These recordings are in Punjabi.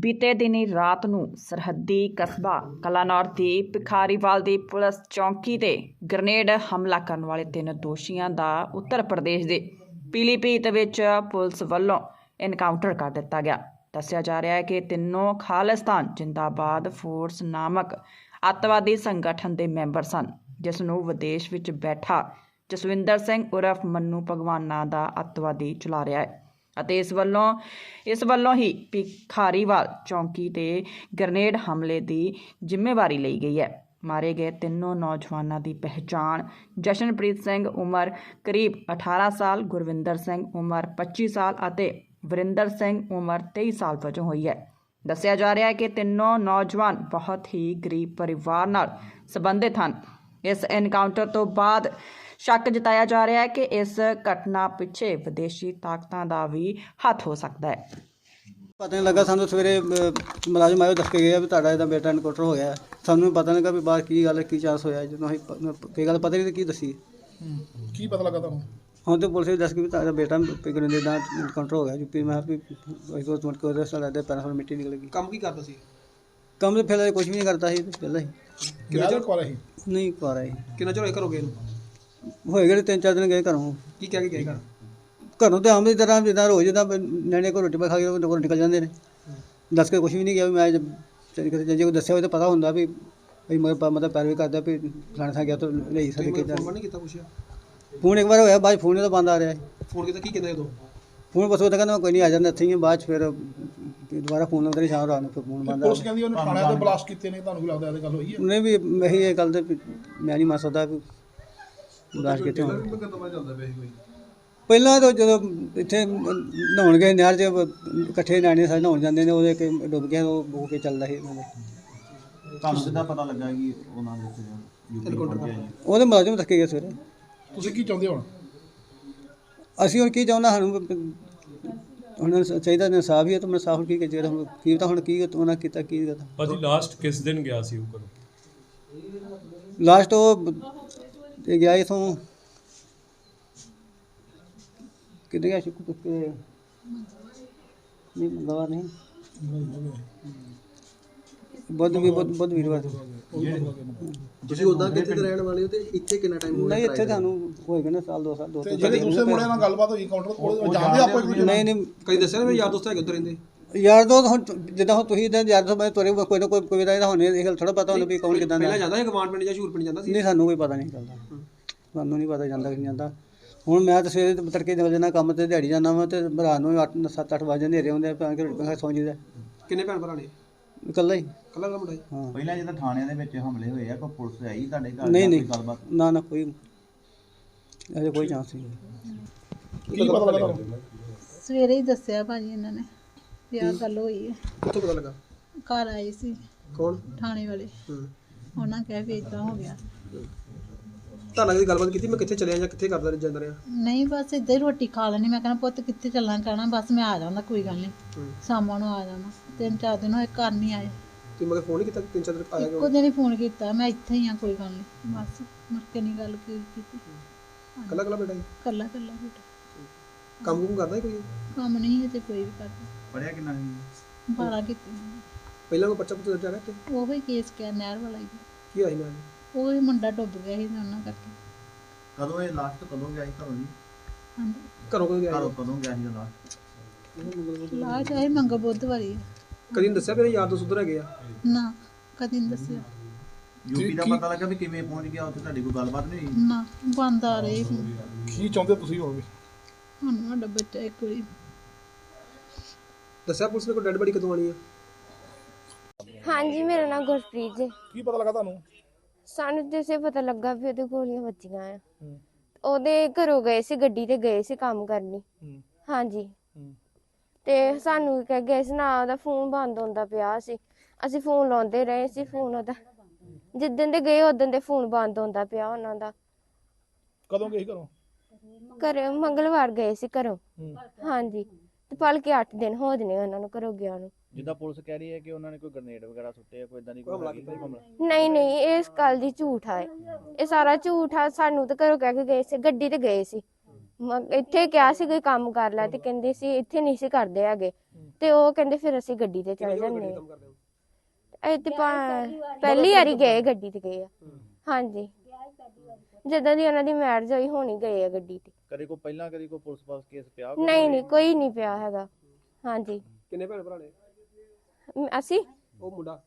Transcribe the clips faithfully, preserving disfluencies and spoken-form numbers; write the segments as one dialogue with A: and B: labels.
A: ਬੀਤੇ ਦਿਨੀ ਰਾਤ ਨੂੰ ਸਰਹੱਦੀ ਕਸਬਾ ਕਲਾਨੌਰ ਦੀ ਭਿਖਾਰੀਵਾਲ ਦੀ ਪੁਲਿਸ ਚੌਂਕੀ ਤੇ ਗ੍ਰਨੇਡ ਹਮਲਾ ਕਰਨ ਵਾਲੇ ਤਿੰਨ ਦੋਸ਼ੀਆਂ ਦਾ ਉੱਤਰ ਪ੍ਰਦੇਸ਼ ਦੇ ਪੀਲੀਭੀਤ ਵਿੱਚ ਪੁਲਿਸ ਵੱਲੋਂ ਐਨਕਾਊਂਟਰ ਕਰ ਦਿੱਤਾ ਗਿਆ। ਦੱਸਿਆ ਜਾ ਰਿਹਾ ਹੈ ਕਿ ਤਿੰਨੋਂ ਖਾਲਿਸਤਾਨ ਜਿੰਦਾਬਾਦ ਫੋਰਸ ਨਾਮਕ ਅੱਤਵਾਦੀ ਸੰਗਠਨ ਦੇ ਮੈਂਬਰ ਸਨ, ਜਿਸ ਨੂੰ ਵਿਦੇਸ਼ ਵਿੱਚ ਬੈਠਾ ਜਸਵਿੰਦਰ ਸਿੰਘ ਉਰਫ ਮੰਨੂ ਭਗਵਾਨ ਨਾਂ ਦਾ ਅੱਤਵਾਦੀ ਚਲਾ ਰਿਹਾ ਹੈ ਅਤੇ ਇਸ ਵੱਲੋਂ ਇਸ ਵੱਲੋਂ ਹੀ ਭਿਖਾਰੀਵਾਲ ਚੌਂਕੀ ਤੇ ਗ੍ਰਨੇਡ ਹਮਲੇ ਦੀ ਜ਼ਿੰਮੇਵਾਰੀ ਲਈ ਗਈ ਹੈ। ਮਾਰੇ ਗਏ ਤਿੰਨੋਂ ਨੌਜਵਾਨਾਂ ਦੀ ਪਹਿਚਾਣ ਜਸ਼ਨਪ੍ਰੀਤ ਸਿੰਘ ਉਮਰ ਕਰੀਬ ਅਠਾਰਾਂ ਸਾਲ, ਗੁਰਵਿੰਦਰ ਸਿੰਘ ਉਮਰ ਪੱਚੀ ਸਾਲ ਅਤੇ ਵਰਿੰਦਰ ਸਿੰਘ ਉਮਰ ਤੇਈ ਸਾਲ ਵਜੋਂ ਹੋਈ ਹੈ। ਦੱਸਿਆ ਜਾ ਰਿਹਾ ਹੈ ਕਿ ਤਿੰਨੋਂ ਨੌਜਵਾਨ ਬਹੁਤ ਹੀ ਗਰੀਬ ਪਰਿਵਾਰ ਨਾਲ ਸੰਬੰਧਿਤ ਹਨ। ਇਸ ਐਨਕਾਊਂਟਰ ਤੋਂ ਬਾਅਦ ਸ਼ੱਕ ਜਤਾਇਆ ਜਾ ਰਿਹਾ ਹੈ ਕਿ ਇਸ ਘਟਨਾ ਪਿੱਛੇ ਵਿਦੇਸ਼ੀ ਤਾਕਤਾਂ ਦਾ ਵੀ ਹੱਥ ਹੋ ਸਕਦਾ ਹੈ।
B: ਪਤਾ ਨਹੀਂ ਲੱਗਾ ਸਾਨੂੰ ਸਵੇਰੇ ਮੁਲਾਜ਼ਮ ਆਇਓ ਦੱਸ ਕੇ ਗਿਆ ਵੀ ਤੁਹਾਡਾ ਇਹਦਾ ਬੇਟਾ ਐਨਕਾਊਂਟਰ ਹੋ ਗਿਆ। ਸਾਨੂੰ ਪਤਾ ਨਹੀਂ ਲੱਗਾ ਵੀ ਬਾਹਰ ਕੀ ਗੱਲ ਕੀ ਚਾਂਸ ਹੋਇਆ। ਜਦੋਂ ਅਸੀਂ ਕੋਈ ਗੱਲ ਪਤਾ ਨਹੀਂ ਕੀ ਦੱਸੀ
C: ਕੀ ਪਤਾ ਲੱਗਾ ਤੁਹਾਨੂੰ?
B: ਹੁਣ ਤਾਂ ਪੁਲਿਸ ਵੀ ਦੱਸ ਕੇ ਵੀ ਤੁਹਾਡਾ ਬੇਟਾ ਪਿਗਨ ਦੇ ਦਾ ਐਨਕਾਊਂਟਰ ਹੋ ਗਿਆ ਯੂਪੀ। ਮੈਂ ਵੀ ਇੱਕ ਮਿੰਟ ਕੋਲ ਸਾਡਾ ਦੇ ਪੈਰਾਂ ਤੋਂ ਮਿੱਟੀ ਨਿਕਲ ਗਈ।
C: ਕੰਮ ਕੀ ਕਰਦਾ ਸੀ?
B: ਕੰਮ ਤਾਂ ਫਿਰ ਕੁਝ ਵੀ ਨਹੀਂ ਕਰਦਾ ਸੀ ਪਹਿਲਾਂ ਹੀ।
C: ਕਿੰਨਾ ਚਿਰ ਕੋਲ ਸੀ?
B: ਨਹੀਂ ਕਰ ਆਈ।
C: ਕਿੰਨਾ ਚਿਰ ਹੋਇਆ ਘਰੋਂ ਗਏ ਨੂੰ?
B: ਹੋਏ ਗਏ ਤਿੰਨ ਚਾਰ ਦਿਨ ਗਏ ਘਰੋਂ।
C: ਕੀ ਕਹਿ ਕੇ ਗਏ ਘਰ?
B: ਘਰੋਂ ਤਾਂ ਆਮ ਦੀ ਤਰ੍ਹਾਂ ਜਿੱਦਾਂ ਰੋਜ਼ ਜਿੱਦਾਂ ਨਿਆਣੇ ਕੋਲ ਰੋਟੀ ਪਾ ਖਾ ਕੇ ਘਰੋਂ ਨਿਕਲ ਜਾਂਦੇ ਨੇ। ਦੱਸ ਕੇ ਕੁਝ ਵੀ ਨਹੀਂ ਗਿਆ ਵੀ ਮੈਂ ਕਿਤੇ ਜੇ ਕੋਈ ਦੱਸਿਆ ਹੋਵੇ ਤਾਂ ਪਤਾ ਹੁੰਦਾ ਵੀ ਵੀ ਮਗਰ ਮਤਲਬ ਪੈਰਵੀ ਕਰਦਾ ਵੀ ਫਲਾਣੇ ਥਾਂ ਗਿਆ ਤਾਂ ਲਈ ਸਕਦੇ ਕਿੱਦਾਂ।
C: ਫੋਨ ਨਹੀਂ ਕੀਤਾ ਕੁਛ?
B: ਫੋਨ ਇੱਕ ਵਾਰ ਹੋਇਆ, ਬਾਅਦ ਫੋਨ ਤਾਂ ਬੰਦ ਆ ਰਿਹਾ।
C: ਫੋਨ ਕੀਤਾ ਕੀ ਕਹਿੰਦਾ ਉਦੋਂ?
B: ਫੋਨ ਬਸ ਉਹ ਤਾਂ ਕਹਿੰਦਾ ਮੈਂ ਕੋਈ ਨਹੀਂ ਆ ਜਾਂਦਾ ਇੱਥੇ ਹੀ ਹਾਂ। ਬਾਅਦ 'ਚ ਫਿਰ ਦੁਬਾਰਾ ਫੋਨ ਲਾਉਂਦੇ ਰਹੇ ਸ਼ਾਮ ਰਾਤ ਨੂੰ, ਫਿਰ ਫੋਨ ਬੰਦ ਆ।
C: ਪੁਲਿਸ ਕਹਿੰਦੀ ਉਹਨੇ ਥਾਣੇ ਤੇ ਬਲਾਸਟ ਕੀਤੇ ਨੇ, ਤੁਹਾਨੂੰ ਕੀ ਲੱਗਦਾ ਇਹ ਗੱਲ ਹੋਈ ਹੈ?
B: ਉਹਨੇ ਵੀ ਮੈਂ ਇਹ ਗੱਲ ਤੇ ਵੀ ਮੈਂ ਨਹੀਂ ਮੰਨ ਸਕਦਾ ਵੀ ਬਲਾਸਟ ਕੀਤੇ ਹੋਣ। ਪਹਿਲਾਂ ਤਾਂ ਜਦੋਂ ਇੱਥੇ ਨਹਾਉਣ ਗਏ ਨਹਿਰ 'ਚ ਇਕੱਠੇ ਨਿਆਣੇ ਸਾਰੇ ਨਹਾਉਣ ਜਾਂਦੇ ਨੇ, ਉਹਦੇ ਕਿ ਡੁੱਬ ਗਿਆ, ਉਹ ਬੋ ਕੇ ਚੱਲਦਾ ਸੀ।
D: ਤੁਹਾਨੂੰ ਕਿੱਦਾਂ ਪਤਾ ਲੱਗਾ ਕਿ ਉਹਨਾਂ ਦੇ
B: ਉਹਦੇ ਮੁਲਾਜ਼ਮ ਥੱਕੇ ਗਏ ਸਵੇਰੇ।
C: ਤੁਸੀਂ ਕੀ ਚਾਹੁੰਦੇ ਹੋ?
B: ਅਸੀਂ ਹੁਣ ਕੀ ਚਾਹੁੰਦਾ, ਸਾਨੂੰ ਹੁਣ ਚਾਹੀਦਾ ਇਨਸਾਫ ਹੀ ਹੈ। ਤਾਂ ਇਨਸਾਫ ਕੀ ਚਾਹੀਦਾ ਹੁਣ ਕੀ ਤਾਂ ਹੁਣ ਕੀ ਉਹਨਾਂ ਕੀਤਾ ਕੀ ਕੀਤਾ।
E: ਭਾਜੀ ਲਾਸਟ ਕਿਸ ਦਿਨ ਗਿਆ ਸੀ ਉਹ ਘਰੋਂ?
B: ਲਾਸਟ ਉਹ ਗਿਆ ਇਥੋਂ ਕਿੱਥੇ ਗਿਆ? ਸ਼ੁਕਰ ਕੇ ਨਹੀਂ ਮੰਗਵਾ ਨਹੀਂ ਬੁੱਧ ਵੀ ਬੁੱਧ ਬੁੱਧ ਵੀਰਵਾਰ।
C: ਤੁਸੀਂ ਉਦਾਂ ਕਿੱਥੇ ਦੇ ਰਹਿਣ ਵਾਲੇ ਹੋ ਤੇ ਇੱਥੇ ਕਿੰਨਾ ਟਾਈਮ ਹੋ ਗਿਆ?
B: ਨਹੀਂ ਇੱਥੇ ਤੁਹਾਨੂੰ ਹੋਏਗਾ ਨਾ ਸਾਲ ਦੋ ਸਾਲ ਦੋ ਤਿੰਨ।
C: ਜਿਹੜੇ ਦੂਸਰੇ ਮੁੰਡਿਆਂ ਨਾਲ ਗੱਲਬਾਤ ਹੋਈ ਕਾਊਂਟਰ ਕੋਲ ਜਾਂਦੇ ਆਪਾਂ ਇੱਕ ਦੂਜੇ
B: ਨਹੀਂ ਨਹੀਂ
C: ਕਈ ਦੱਸਿਆ ਨਾ ਮੇਰੇ ਯਾਰ ਦੋਸਤ ਹੈਗੇ ਉੱਧਰ ਰਹਿੰਦੇ।
B: ਯਾਰ ਦੋ ਹੁਣ ਜਿੱਦਾਂ ਹੁਣ ਤੁਸੀਂ ਇੱਦਾਂ ਯਾਰ ਦੋਸਤ ਤੁਰੇ ਕੋਈ ਨਾ ਕੋਈ ਕੋਈ ਦਾ ਇਹਦਾ ਹੁਣ ਇਹ ਗੱਲ ਥੋੜਾ ਪਤਾ ਹੁੰਦਾ ਵੀ ਕੌਣ ਕਿੱਦਾਂ ਦਾ।
C: ਪਹਿਲਾਂ ਜਾਂਦਾ ਸੀ ਗਵਾਂਡ ਪਿੰਡ ਜਾਂ ਸ਼ੂਰ ਪਿੰਡ ਜਾਂਦਾ ਸੀ?
B: ਨਹੀਂ ਸਾਨੂੰ ਕੋਈ ਪਤਾ ਨਹੀਂ ਚੱਲਦਾ, ਸਾਨੂੰ ਨਹੀਂ ਪਤਾ ਜਾਂਦਾ ਕਿ ਨਹੀਂ ਜਾਂਦਾ। ਹੁਣ ਮੈਂ ਤਾਂ ਸਵੇਰੇ ਤੜਕੇ ਨਿਕਲ ਜਾਂਦਾ ਕੰਮ ਤੇ, ਦਿਹਾੜੀ ਜਾਂਦਾ ਵਾ ਤੇ ਰਾਤ ਨੂੰ ਅੱਠ ਸੱਤ ਅੱਠ ਵਜੇ ਹਨੇਰੇ ਹੁੰਦੇ ਆ ਕੇ ਰੋਟੀ ਖਾ ਸੌਂ ਜੀਦਾ।
C: ਕਿੰਨੇ ਭੈਣ ਭਰਾ ਨੇ?
B: ਇਕੱਲਾ ਹੀ।
C: ਕੱਲਾ ਕੱਲਾ ਮੁੰਡਾ ਹੀ?
B: ਹਾਂ।
D: ਪਹਿਲਾਂ ਜਦੋਂ ਥਾਣਿਆਂ ਦੇ ਵਿੱਚ ਹਮਲੇ ਹੋਏ ਆ ਕੋਈ ਪੁਲਿਸ ਆਈ ਤੁਹਾਡੇ ਘਰ?
B: ਨਹੀਂ ਨਹੀਂ
D: ਗੱਲਬਾਤ
B: ਨਾ ਨਾ ਕੋਈ ਅਜੇ ਕੋਈ ਚਾਂਸ ਨਹੀਂ।
C: ਕੀ ਪਤਾ ਲੱਗਾ ਤੁਹਾਨੂੰ?
F: ਸਵੇਰੇ ਹੀ ਦੱਸਿਆ ਭਾਜੀ ਇਹਨਾਂ ਨੇ ਵੀ ਆਹ ਗੱਲ ਹੋਈ ਹੈ।
C: ਕਿੱਥੋਂ ਪਤਾ ਲੱਗਾ?
F: ਘਰ ਆਏ ਸੀ
C: ਕੌਣ?
F: ਥਾਣੇ ਵਾਲੇ, ਉਹਨਾਂ ਕਹਿ ਵੀ ਇਦਾਂ ਹੋ ਗਿਆ।
C: ਤੁਹਾਨੂੰ ਕਦੀ ਗੱਲਬਾਤ ਕੀਤੀ ਮੈਂ ਕਿੱਥੇ ਚਲਿਆ ਜਾਂ ਕਿੱਥੇ ਕਰਦਾ ਜਾਂਦਾ ਰਿਹਾ?
F: ਨਹੀਂ ਬਸ ਇੱਦਾਂ ਹੀ ਰੋਟੀ ਖਾ ਲੈਣੀ। ਮੈਂ ਕਹਿੰਦਾ ਪੁੱਤ ਕਿੱਥੇ ਚੱਲਣਾ, ਕਹਿਣਾ ਬਸ ਮੈਂ ਆ ਜਾਂਦਾ, ਕੋਈ ਗੱਲ ਨਹੀਂ ਸ਼ਾਮਾਂ ਨੂੰ ਆ ਜਾਣਾ। ਤਿੰਨ ਚਾਰ ਦਿਨ ਹੋਏ ਘਰ ਨਹੀਂ ਆਏ।
C: ਤੁਸੀਂ ਮਗਰ ਫੋਨ ਨਹੀਂ ਕੀਤਾ? ਤਿੰਨ ਚਾਰ ਦਿਨ ਆਇਆ
F: ਇੱਕੋ ਦਿਨ ਹੀ ਫੋਨ ਕੀਤਾ, ਮੈਂ ਇੱਥੇ ਹੀ ਆ, ਕੋਈ ਗੱਲ ਨਹੀਂ ਬਸ। ਮੁੜ ਕੇ ਨਹੀਂ ਗੱਲ ਕੀ- ਕੀਤੀ।
C: ਕੱਲਾ ਕੱਲਾ ਬੇਟਾ ਜੀ?
F: ਕੱਲਾ ਕੱਲਾ ਬੇਟਾ।
C: ਕੰਮ ਕੁਮ ਕਰਦਾ ਕੋਈ?
F: ਕੰਮ ਨਹੀਂ ਹੈ ਤੇ ਕੋਈ ਵੀ ਕਰਦਾ।
D: ਪੜਿਆ ਕਿੰਨਾ ਸੀ?
F: ਬਾਰਾਂ ਕੀਤੀ।
C: ਪਹਿਲਾਂ ਕੋਈ ਬੱਚਾ ਪੁੱਤ ਦਰਜਾ ਰਿਹਾ ਤੇ
F: ਉਹੋ ਹੀ ਕੇਸ ਕਿਆ ਨਹਿਰ ਵਾਲਾ ਹੀ।
C: ਕੀ ਆਈ ਮੈਂ?
F: ਉਹ ਹੀ ਮੁੰਡਾ ਡੁੱਬ ਗਿਆ ਸੀ ਤੇ ਉਹਨਾਂ ਕਰਕੇ।
D: ਕਦੋਂ ਇਹ ਲਾਸਟ ਕਦੋਂ ਗਿਆ ਸੀ ਘਰੋਂ ਜੀ?
F: ਹਾਂਜੀ
C: ਘਰੋਂ ਕਦੋਂ ਗਿਆ?
D: ਘਰੋਂ ਕਦੋਂ ਗਿਆ ਸੀ ਲਾਸਟ?
F: ਲਾ ਚਾਹੇ ਮੰਗ ਬੁੱਧਵਾਰੀ ਹੈ।
C: ਕਦੀ ਨਹੀਂ ਦੱਸਿਆ ਮੇਰੇ ਯਾਰ ਦੋਸਤ ਉੱਧਰ ਹੈਗੇ ਆ?
F: ਨਾ ਕਦੀ ਨਹੀਂ ਦੱਸਿਆ।
D: ਯੂਪੀ ਦਾ ਪਤਾ ਲੱਗਾ ਵੀ ਕਿਵੇਂ ਪਹੁੰਚ ਗਿਆ ਉੱਥੇ? ਤੁਹਾਡੀ ਕੋਈ ਗੱਲਬਾਤ ਨਹੀਂ ਹੋਈ?
F: ਨਾ ਬੰਦ ਆ ਰਹੇ ਹੁਣ।
C: ਕੀ ਚਾਹੁੰਦੇ ਤੁਸੀਂ ਹੋਵੇ?
F: ਹੁਣ ਸਾਡਾ ਬੱਚਾ ਇੱਕ ਵਾਰੀ
C: ਦੱਸਿਆ ਪੁਲਿਸ ਨੇ ਕੋਈ ਡੈਡ ਬੜੀ ਕਦੋਂ ਆਣੀ ਆ?
G: ਹਾਂਜੀ ਮੇਰਾ ਨਾਮ ਗੁਰਪ੍ਰੀਤ ਜੀ।
C: ਕੀ ਪਤਾ ਲੱਗਾ ਤੁਹਾਨੂੰ?
G: ਸਾਨੂੰ ਜਿਸੇ ਪਤਾ ਲੱਗਾ ਵੀ ਉਹਦੇ ਗੋਲੀਆਂ ਵੱਜੀਆਂ ਆ। ਉਹਦੇ ਘਰੋਂ ਗਏ ਸੀ, ਗੱਡੀ ਤੇ ਗਏ ਸੀ ਕੰਮ ਕਰਨੀ। ਹਾਂਜੀ ਤੇ ਸਾਨੂੰ ਕਹਿ ਗਏ ਸੀ ਨਾ, ਉਹਦਾ ਫੋਨ ਬੰਦ ਹੁੰਦਾ ਪਿਆ ਸੀ। ਅਸੀਂ ਫੋਨ ਲਾਉਂਦੇ ਰਹੇ ਸੀ, ਫੋਨ ਉਹਦਾ ਜਿੱਦਣ ਦੇ ਗਏ ਉਦੋਂ ਦੇ ਫੋਨ ਬੰਦ ਹੁੰਦਾ ਪਿਆ ਉਹਨਾਂ ਦਾ।
C: ਕਦੋਂ ਗਏ ਘਰੋਂ?
G: ਘਰੇ ਮੰਗਲਵਾਰ ਗਏ ਸੀ ਘਰੋਂ। ਹਾਂਜੀ ਤੇ ਭਲਕੇ ਅੱਠ ਦਿਨ ਹੋ ਜਨੇ ਉਹਨਾਂ ਨੂੰ ਘਰੋਂ ਗਿਆ ਨੂੰ।
D: ਜਿੱਦਾਂ ਪੁਲਿਸ ਕਹਿ ਰਹੀ ਹੈ ਕਿ ਉਹਨਾਂ ਨੇ ਕੋਈ ਗ੍ਰਨੇਡ ਵਗੈਰਾ ਸੁੱਟੇ ਆ, ਕੋਈ ਇਦਾਂ ਦੀ ਕੋਈ ਹਮਲਾ ਕੀਤਾ?
G: ਨਹੀਂ ਨਹੀਂ ਇਸ ਗੱਲ ਦੀ ਝੂਠ ਆ। ਇਹ ਸਾਰਾ ਝੂਠ ਆ। ਸਾਨੂੰ ਤਾਂ ਘਰੋਂ ਕਹਿ ਕੇ ਗਏ ਸੀ, ਗੱਡੀ ਤੇ ਗਏ ਸੀ। ਇੱਥੇ ਕਿਹਾ ਸੀ ਕੋਈ ਕੰਮ ਕਰ ਲੈ ਤੇ ਕਹਿੰਦੇ ਸੀ ਇੱਥੇ ਨਹੀਂ ਸੀ ਕਰਦੇ ਹੈਗੇ। ਤੇ ਉਹ ਕਹਿੰਦੇ ਫਿਰ ਅਸੀਂ ਗੱਡੀ ਤੇ ਚਲੇ ਜਾਂਦੇ
C: ਕੰਮ
G: ਹਾਂ।
C: ਕਰਦੇ ਹੋ
G: ਇਹ ਤੇ ਪਾ- ਪਹਿਲੀ ਵਾਰੀ ਗਏ ਗੱਡੀ ਤੇ ਗਏ ਆ। ਹਾਂਜੀ, ਜਦੋਂ ਦੀ ਉਹਨਾਂ ਦੀ ਮੈਰਿਜ ਹੋਈ ਹੋਣੀ ਗਏ ਆ ਗੱਡੀ ਤੇ।
D: ਕਦੇ ਕੋ ਪਹਿਲਾਂ ਕਦੇ ਕੋ ਪੁਲਿਸ ਪਾਸ ਕੇਸ ਪਿਆ
G: ਨਹੀਂ ਨਹੀਂ ਕੋਈ ਨਹੀਂ ਪਿਆ ਹੈਗਾ। ਹਾਂਜੀ,
C: ਕਿੰਨੇ ਭੈਣ ਭਰਾ ਨੇ?
G: ਮ- ਅਸੀਂ
C: ਉਹ ਮੁੰਡਾ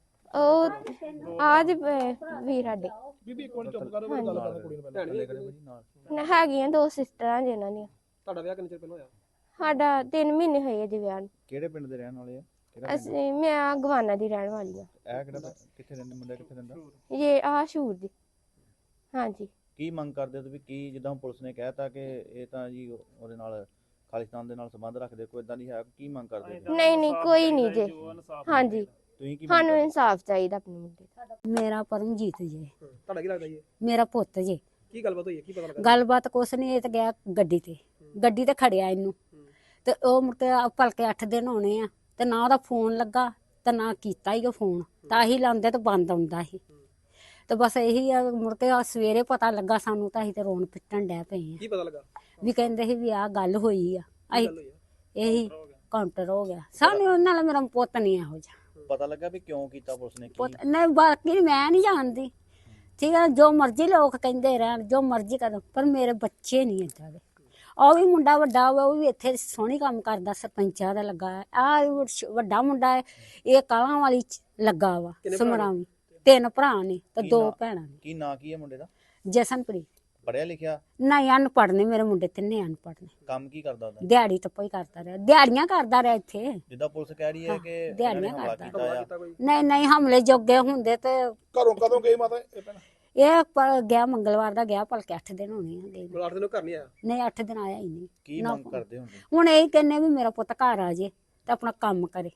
G: ਉਹ ਆਜ ਵੀਰ ਸਾਡੇ
C: ਬੀਬੀ ਇੱਕ ਮਿੰਟ ਚੁੱਪ ਕਰੋ, ਮੇਰੀ ਗੱਲ ਕਰਨ ਕੁੜੀ ਨੂੰ ਪਹਿਲਾਂ।
G: ਨ- ਹੈਗੀਆਂ ਦੋ ਸਿਸਟਰਾਂ ਜਿਨ੍ਹਾਂ ਦੀਆਂ।
C: ਤੁਹਾਡਾ ਵਿਆਹ ਕਿੰਨੇ ਚਿਰ ਪਹਿਲਾਂ ਹੋਇਆ?
G: ਸਾਡਾ ਤਿੰਨ ਮਹੀਨੇ ਹੋਏ ਅਜੇ ਵਿਆਹ ਨੂੰ।
D: ਕਿਹੜੇ ਪਿੰਡ ਦੇ ਰਹਿਣ ਵਾਲੇ ਆ? ਕਿਹੜਾ ਪਿੰਡ?
G: ਅਸੀਂ ਮੈਂ ਗਵਾਨਾ ਦੀ ਰਹਿਣ ਵਾਲੀ ਆ।
D: ਇਹ ਕਿਹੜਾ ਪਿੰਡ? ਕਿੱਥੇ ਰਹਿੰਦੇ ਮੁੰਡਾ, ਕਿੱਥੇ ਰਹਿੰਦਾ?
G: ਇਹ ਆ ਸ਼ੂਰ ਦੀ। ਹਾਂਜੀ,
D: ਕੀ ਮੰਗ ਕਰਦੇ ਹੋ ਤੁਸੀਂ? ਕੀ ਜਿੱਦਾਂ ਪੁਲਿਸ ਨੇ ਕਹਿਤਾ ਕਿ ਇਹ ਤਾਂ ਜੀ ਉਹਦੇ ਨਾਲ ਖਾਲਿਸਤਾਨ ਦੇ ਨਾਲ ਸੰਬੰਧ ਰੱਖਦੇ, ਕੋਈ ਇਦਾਂ ਨਹੀਂ ਹੈ, ਕੀ ਮੰਗ ਕਰਦੇ ਹੋ?
G: ਨਹੀਂ ਨਹੀਂ ਕੋਈ ਨਹੀਂ ਜੇ। ਹਾਂਜੀ,
D: ਤੁਸੀਂ ਕੀ ਮੰਗ
G: ਸਾਨੂੰ
D: ਕਰਦੇ?
G: ਇਨਸਾਫ ਚਾਹੀਦਾ ਆਪਣੇ ਮੁੰਡੇ ਦਾ।
H: ਮੇਰਾ ਪਰਮਜੀਤ ਜੀ,
C: ਤੁਹਾਡਾ ਕੀ ਲੱਗਦਾ ਜੀ ਇਹ?
H: ਮੇਰਾ ਪੁੱਤ ਜੀ।
C: ਕੀ ਗੱਲਬਾਤ ਹੋਈ ਹੈ, ਕੀ ਪਤਾ ਲੱਗਾ?
H: ਗੱਲਬਾਤ ਕੁਛ ਨਹੀਂ, ਇਹ ਤਾਂ ਗਿਆ ਗੱਡੀ ਤੇ ਗੱਡੀ ਤੇ ਖੜਿਆ ਇਹਨੂੰ, ਤੇ ਉਹ ਮੁੜ ਕੇ ਭਲਕੇ ਅੱਠ ਦਿਨ ਹੋਣੇ ਆ, ਤੇ ਨਾ ਉਹਦਾ ਫੋਨ ਲੱਗਾ ਤੇ ਨਾ ਕੀਤਾ ਹੀ ਉਹ ਫੋਨ, ਤਾਂ ਹੀ ਲਾਉਂਦੇ ਤੇ ਬੰਦ ਆਉਂਦਾ ਸੀ। ਤੇ ਬਸ ਇਹੀ ਆ, ਮੁੜ ਕੇ ਆ ਸਵੇਰੇ ਪਤਾ ਲੱਗਾ ਸਾਨੂੰ, ਤਾਂ ਅਸੀਂ ਤੇ ਰੋਣ ਪਿੱਟਣ ਡੈ ਪਏ ਆ।
C: ਕੀ ਪਤਾ ਲੱਗਾ?
H: ਵੀ ਕਹਿੰਦੇ ਸੀ ਵੀ ਆਹ ਗੱਲ ਹੋਈ ਆ, ਅਸੀਂ
C: ਗੱਲ ਹੋਈ ਆ?
H: ਇਹੀ ਕਾਊਂਟਰ ਹੋ ਗਿਆ ਸਾਨੂੰ। ਉਹਨਾਂ ਨਾਲ ਮੇਰਾ ਪੁੱਤ ਨਹੀਂ ਇਹੋ ਜਿਹਾ
D: ਪਤਾ ਲੱਗਾ ਵੀ ਕਿਉਂ ਕੀਤਾ ਪੁਲਿਸ ਨੇ? ਕੀ
H: ਪੁੱਤ ਨਹੀਂ, ਬਾਕੀ ਮੈਂ ਨਹੀਂ ਜਾਣਦੀ, ਠੀਕ ਹੈ, ਜੋ ਮਰਜ਼ੀ ਲੋਕ ਕਹਿੰਦੇ ਰਹਿਣ, ਜੋ ਮਰਜ਼ੀ ਕਰਨ, ਪਰ ਮੇਰੇ ਬੱਚੇ ਨਹੀਂ ਏਦਾਂ ਦੇ। ਉਹ ਵੀ ਮੁੰਡਾ ਵੱਡਾ ਵਾ, ਉਹ ਵੀ ਇੱਥੇ ਸੋਹਣੀ ਕੰਮ ਕਰਦਾ, ਸਰਪੰਚਾਂ ਦਾ ਲੱਗਾ ਹੈ। ਆ ਵੱਡਾ ਮੁੰਡਾ ਹੈ, ਇਹ ਕਾਲਾਂ ਵਾਲੀ ਚ ਲੱਗਾ ਵਾ ਸਮਰਾਵੀ। ਤਿੰਨ ਭਰਾ ਨੇ ਤੇ
D: ਕੀ
H: ਦੋ
D: ਨਾਂ-
H: ਭੈਣਾਂ ਨੇ।
D: ਕੀ ਨਾਂ ਕੀ ਹੈ ਮੁੰਡੇ ਦਾ?
H: ਜਸਨਪ੍ਰੀਤ।
D: ਪੜਿਆ ਲਿਖਿਆ?
H: ਨਹੀਂ, ਅਨਪੜ੍ਹ ਨੇ ਮੇਰੇ ਮੁੰਡੇ, ਤਿੰਨੇ ਅਨਪੜ੍ਹ ਨੇ।
D: ਕੰਮ ਕੀ ਕਰਦਾ ਉਹਦਾ?
H: ਦਿਹਾੜੀ ਤੱਪਾ ਹੀ ਕਰਦਾ ਰਿਹਾ, ਦਿਹਾੜੀਆਂ ਕਰਦਾ ਰਿਹਾ ਇੱਥੇ।
D: ਜਿੱਦਾਂ ਪੁਲਿਸ ਕਹਿ ਰਹੀ ਹੈ ਕਿ ਇਹਨਾਂ ਨੇ
H: ਦਿਹਾੜੀਆਂ
D: ਹਮਲਾ
H: ਕਰਦਾ।
D: ਕੀਤਾ ਆ।
C: ਕੀਤਾ ਕੋਈ?
H: ਨਹੀਂ ਨਹੀਂ, ਹਮਲੇ ਜੋਗੇ ਹੁੰਦੇ ਤੇ
C: ਘਰੋਂ ਕਦੋਂ ਗਈ ਮਾਤਾ ਇਹ ਭੈਣ?
H: ਇਹ ਪ- ਗਿਆ ਮੰਗਲਵਾਰ ਦਾ ਗਿਆ, ਭਲਕੇ ਅੱਠ ਦਿਨ ਹੋਣੇ ਆ ਗਏ ਨੂੰ।
C: ਮਤਲਬ ਅੱਠ ਦਿਨ ਘਰ ਨਹੀਂ ਆਇਆ?
H: ਨਹੀਂ, ਅੱਠ ਦਿਨ ਆਇਆ ਹੀ ਨਹੀਂ।
D: ਕੀ
H: ਨਾ
D: ਮੰਗ
H: ਫੋਨ।
D: ਕਰਦੇ ਹੁੰਦੇ?
H: ਹੁਣ ਇਹ ਕਹਿੰਨੇ ਵੀ ਮੇਰਾ ਪੁੱਤ ਘਰ ਆ ਜੇ ਤੇ ਆਪਣਾ ਕੰਮ ਕਰੇ।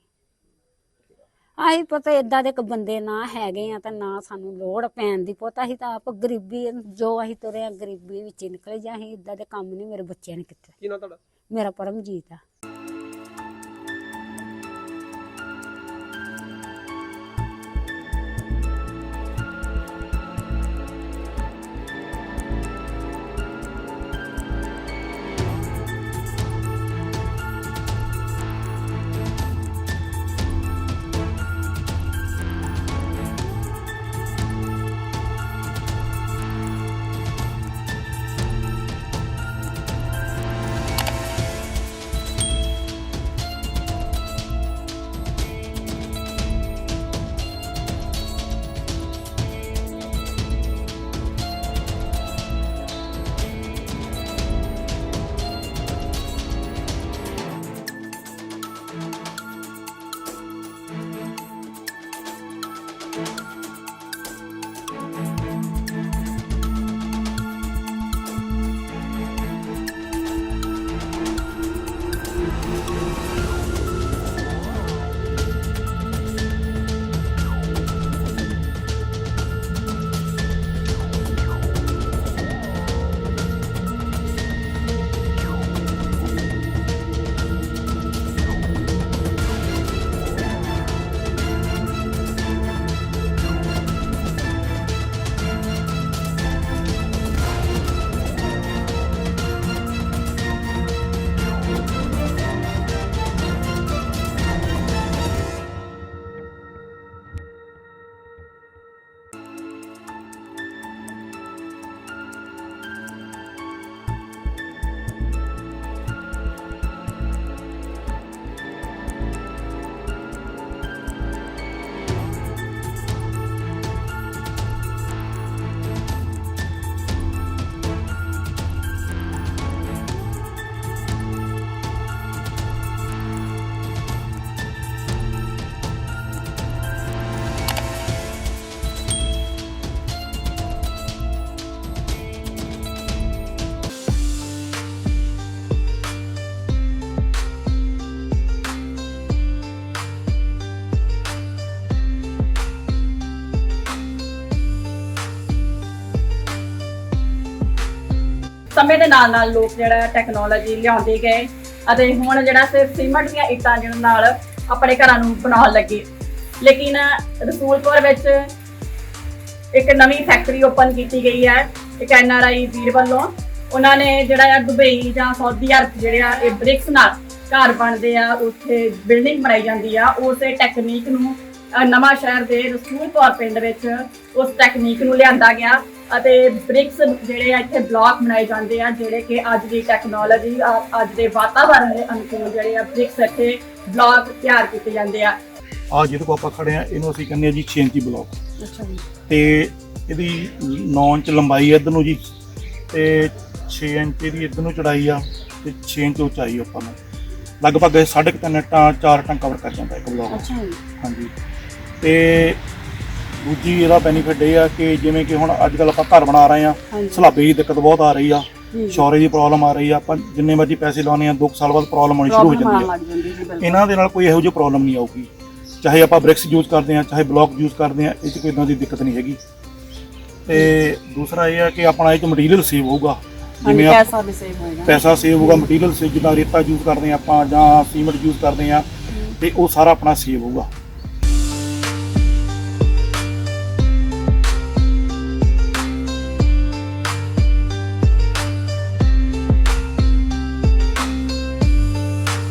H: ਆਹੀ ਪਤਾ ਏਦਾਂ ਦੇ ਇੱਕ ਬੰਦੇ ਨਾ ਹੈਗੇ ਆ, ਤਾਂ ਨਾ ਸਾਨੂੰ ਲੋੜ ਪੈਣ ਦੀ। ਪੁੱਤ ਅਸੀਂ ਤਾਂ ਆਪ ਗਰੀਬੀ, ਜੋ ਅਸੀਂ ਤੁਰੇ ਆ ਗਰੀਬੀ ਵਿੱਚ ਹੀ ਨਿਕਲੇ, ਜਾਂ ਅਸੀਂ ਏਦਾਂ ਦੇ ਕੰਮ ਨਹੀਂ ਮੇਰੇ ਬੱਚਿਆਂ ਨੇ ਕੀਤੇ।
C: ਕੀ ਨਾਂ ਤੁਹਾਡਾ?
H: ਮੇਰਾ ਪਰਮਜੀਤ ਆ।
A: ਸਮੇਂ ਦੇ ਨਾਲ ਨਾਲ ਲੋਕ ਜਿਹੜਾ ਟੈਕਨੋਲੋਜੀ ਲਿਆਉਂਦੇ ਗਏ ਅਤੇ ਹੁਣ ਜਿਹੜਾ ਸਿਰਫ ਸੀਮੈਂਟ ਦੀਆਂ ਇੱਟਾਂ ਜਿਹਨਾਂ ਨਾਲ ਆਪਣੇ ਘਰਾਂ ਨੂੰ ਬਣਾਉਣ ਲੱਗੇ। ਲੇਕਿਨ ਰਸੂਲਪੁਰ ਵਿੱਚ ਇੱਕ ਨਵੀਂ ਫੈਕਟਰੀ ਓਪਨ ਕੀਤੀ ਗਈ ਹੈ ਇੱਕ ਐਨ ਆਰ ਆਈ ਵੀਰ ਵੱਲੋਂ। ਉਹਨਾਂ ਨੇ ਜਿਹੜਾ ਆ ਦੁਬਈ ਜਾਂ ਸਾਊਦੀ ਅਰਬ ਜਿਹੜੇ ਆ ਇਹ ਬ੍ਰਿਕਸ ਨਾਲ
I: ਘਰ ਬਣਦੇ ਆ, ਉੱਥੇ ਬਿਲਡਿੰਗ ਬਣਾਈ ਜਾਂਦੀ ਆ, ਉਸੇ ਟੈਕਨੀਕ ਨੂੰ ਅ, ਨਵਾਂ ਸ਼ਹਿਰ ਦੇ ਰਸੂਲਪੁਰ ਪਿੰਡ ਵਿੱਚ ਉਸ ਟੈਕਨੀਕ ਨੂੰ ਲਿਆਂਦਾ ਗਿਆ ਅਤੇ ਬ੍ਰਿਕਸ ਜਿਹੜੇ ਆ ਇੱਥੇ ਬਲਾਕ ਬਣਾਏ ਜਾਂਦੇ ਆ, ਜਿਹੜੇ ਕਿ ਅੱਜ ਦੀ ਟੈਕਨੋਲੋਜੀ ਅੱਜ ਦੇ ਵਾਤਾਵਰਣ ਦੇ ਅਨੁਕੂਲ ਜਿਹੜੇ ਆ ਬ੍ਰਿਕਸ ਇੱਥੇ ਬਲਾਕ ਤਿਆਰ ਕੀਤੇ ਜਾਂਦੇ ਆ।
J: ਆ ਜਿਹਦੇ ਕੋਲ ਆਪਾਂ ਖੜੇ ਆ ਇਹਨੂੰ ਅਸੀਂ ਕਹਿੰਦੇ ਆ ਜੀ ਛੇ ਇੰਚੀ ਬਲਾਕ।
I: ਅੱਛਾ ਜੀ।
J: ਤੇ ਇਹਦੀ ਨੌ ਇੰਚ ਲੰਬਾਈ ਹੈ ਇੱਧਰ ਨੂੰ ਜੀ, ਤੇ ਛੇ ਇੰਚ ਦੀ ਇੱਧਰ ਨੂੰ ਚੜਾਈ ਆ, ਤੇ ਛੇ ਇੰਚ ਉਚਾਈ ਆਪਾਂ ਨੂੰ ਲਗਭਗ ਸਾਢੇ ਕੁ ਤਿੰਨ ਟਾਂ ਚਾਰ ਟਾਂ ਕਵਰ ਕਰ ਜਾਂਦਾ ਇੱਕ ਬਲਾਕ।
I: ਅੱਛਾ ਜੀ।
J: ਹਾਂਜੀ। ਤੇ ਦੂਜੀ ਇਹਦਾ ਬੈਨੀਫਿਟ ਇਹ ਆ ਕਿ ਜਿਵੇਂ ਕਿ ਹੁਣ ਅੱਜ ਕੱਲ੍ਹ ਆਪਾਂ ਘਰ ਬਣਾ ਰਹੇ ਆ, ਸਲਾਬੇ ਦੀ ਦਿੱਕਤ ਬਹੁਤ ਆ ਰਹੀ ਆ, ਸ਼ੌਰੇਜ ਦੀ ਪ੍ਰੋਬਲਮ ਆ ਰਹੀ ਆ, ਆਪਾਂ ਜਿੰਨੇ ਮਰਜ਼ੀ ਪੈਸੇ ਲਾਉਣੇ ਆ ਦੋ ਸਾਲ ਬਾਅਦ ਪ੍ਰੋਬਲਮ ਆਉਣੀ ਸ਼ੁਰੂ ਹੋ ਜਾਂਦੀ ਆ। ਇਹਨਾਂ ਦੇ ਨਾਲ ਕੋਈ ਇਹੋ ਜਿਹੀ ਪ੍ਰੋਬਲਮ ਨਹੀਂ ਆਊਗੀ, ਚਾਹੇ ਆਪਾਂ ਬ੍ਰਿਕਸ ਯੂਜ਼ ਕਰਦੇ ਆ ਚਾਹੇ ਬਲੌਕ ਯੂਜ਼ ਕਰਦੇ ਆ, ਇਹ 'ਚ ਕੋਈ ਇੱਦਾਂ ਦੀ ਦਿੱਕਤ ਨਹੀਂ ਹੈਗੀ। ਤੇ ਦੂਸਰਾ ਇਹ ਆ ਕਿ ਆਪਣਾ ਇਹ 'ਚ ਮਟੀਰੀਅਲ ਸੇਵ ਹੋਊਗਾ, ਜਿਵੇਂ
I: ਪੈਸਾ ਵੀ ਸੇਵ ਹੋਏਗਾ।
J: ਪੈਸਾ ਸੇਵ ਹੋਊਗਾ, ਮਟੀਰੀਅਲ ਸੇਵ, ਜਿੱਦਾਂ ਰੇਤਾ ਯੂਜ਼ ਕਰਦੇ ਆ ਆਪਾਂ ਜਾਂ ਸੀਮੈਂਟ ਯੂਜ਼ ਕਰਦੇ ਆ, ਤੇ ਉਹ ਸਾਰਾ ਆਪਣਾ ਸੇਵ ਹੋਊਗਾ।